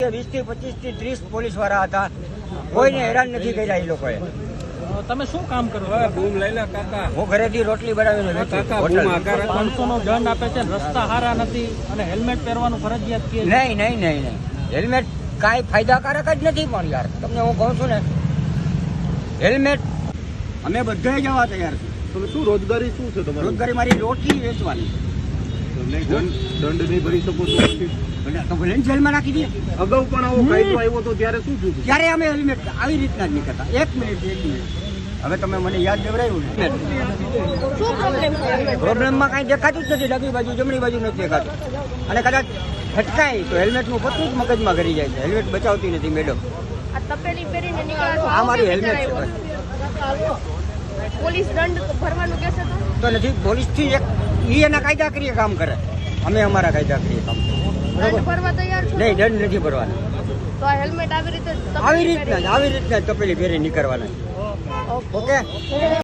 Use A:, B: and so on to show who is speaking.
A: 20 થી 25 થી 30 પોલીસ વાળા હતા, કોઈને હેરાન નથી કર્યા એ લોકોએ.
B: તમે શું કામ કરો છો?
C: બૂમ લઈ લે કાકા.
A: હું ઘરેથી રોટલી બનાવીને વેચું. હોટલ.
B: 500 નો દંડ આપે છે, રસ્તા સારા નથી અને હેલ્મેટ પહેરવાનું ફરજિયાત કહે છે.
A: નહીં. હેલ્મેટ કાંઈ ફાયદાકારક જ નથી. પણ યાર તમને હું કહું છું ને, હેલ્મેટ અમે બધા જવા તૈયાર છે.
C: તમે શું રોજગારી શું છે તમારી?
A: રોજગારી મારી રોટલી વેચવાની.
C: દંડ નહીં ભરી શકો તો
A: તો ભલે ને જેલમાં નાખી દઈએ.
C: અગાઉ પણ આવો કાયદો આવ્યો તો ત્યારે શું થયું?
A: ત્યારે અમે હેલ્મેટ આવી રીતના જ નીકળતા. એક મિનિટ. હવે તમે મને યાદ દેવડાવ્યું ને, પ્રોબ્લેમમાં કાંઈ દેખાતું જ નથી. ડાબી બાજુ જમણી બાજુ નથી દેખાતું. અને કદાચ ફટકાય તો હેલ્મેટનું પતું જ મગજમાં કરી જાય છે. હેલ્મેટ બચાવતી નથી મેડમ. આ મારી હેલ્મેટ છે.
D: પોલીસ દંડ ભરવાનું કહેશે
A: તો નથી. પોલીસથી એક એના કાયદાકીય કામ કરે, અમે અમારા કાયદાકીય કામ કરીએ.
D: દંડ ભરવા તૈયાર છો?
A: નહીં, દંડ નથી ભરવાનો.
D: તો આ હેલ્મેટ આવી રીતે
A: આવી રીતના જ તપેલી પહેરી નીકળવાના. ઓકે.